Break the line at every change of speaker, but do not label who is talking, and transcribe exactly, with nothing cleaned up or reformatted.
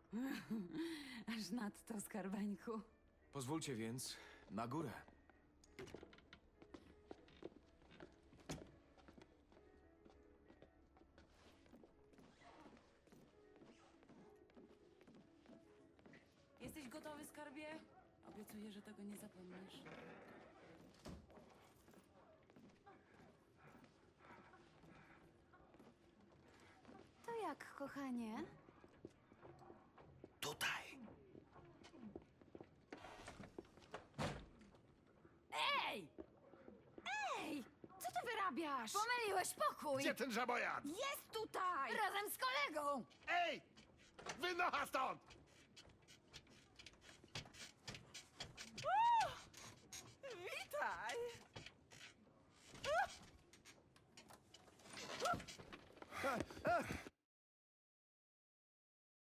Aż nadto, skarbeńku.
Pozwólcie więc na górę.
Jesteś gotowy, skarbie? Obiecuję, że tego nie zapomnisz.
To jak, kochanie?
Tutaj!
Ej! Ej! Co ty wyrabiasz? Pomyliłeś pokój!
Gdzie ten żabojad?
Jest tutaj! Razem z kolegą!
Ej! Wynocha stąd!